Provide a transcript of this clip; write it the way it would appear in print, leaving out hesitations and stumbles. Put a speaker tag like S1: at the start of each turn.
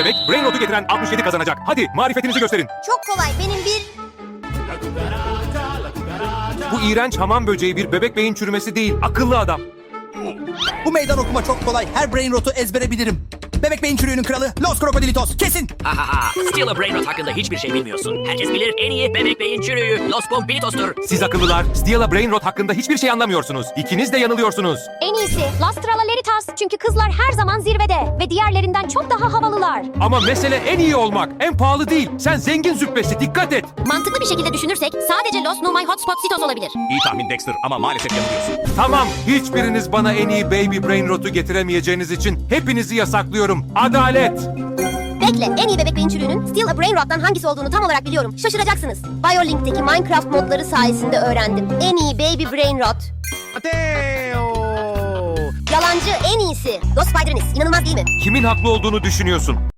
S1: demek brain rot'u getiren 67 kazanacak. Hadi marifetinizi gösterin.
S2: Çok kolay. Benim bir...
S1: Bu iğrenç hamam böceği bir bebek beyin çürümesi değil. Akıllı adam.
S3: Bu meydan okuma çok kolay. Her brain rot'u ezbere bilirim. Bebek beyin çürüğünün kralı Los Crocodilitos. Kesin.
S4: Steal a Brain Rot hakkında hiçbir şey bilmiyorsun. Herkes bilir, en iyi bebek beyin çürüğü Los Pombilitos'tur.
S1: Siz akıllılar, Steal a Brain Rot hakkında hiçbir şey anlamıyorsunuz. İkiniz de yanılıyorsunuz.
S5: En iyisi Las Tralaleritas çünkü kızlar her zaman zirvede ve diğerlerinden çok daha havalılar.
S1: Ama mesele en iyi olmak, en pahalı değil. Sen zengin züppesi, dikkat et.
S5: Mantıklı bir şekilde düşünürsek sadece Los No My Hotspot Sitos olabilir.
S6: İyi tahmin Dexter ama maalesef yanılıyorsun.
S1: Tamam, hiçbiriniz bana en iyi Baby Brain Rot'u getiremeyeceğiniz için hepinizi yasaklıyorum. Adalet.
S2: Bekle. En iyi bebek beyin çürüğünün Steal a Brain Rot'tan hangisi olduğunu tam olarak biliyorum. Şaşıracaksınız. BioLink'teki Minecraft modları sayesinde öğrendim. En iyi Baby Brain Rot. Yalancı en iyisi. Ghost Spider'iniz. İnanılmaz değil mi?
S1: Kimin haklı olduğunu düşünüyorsun?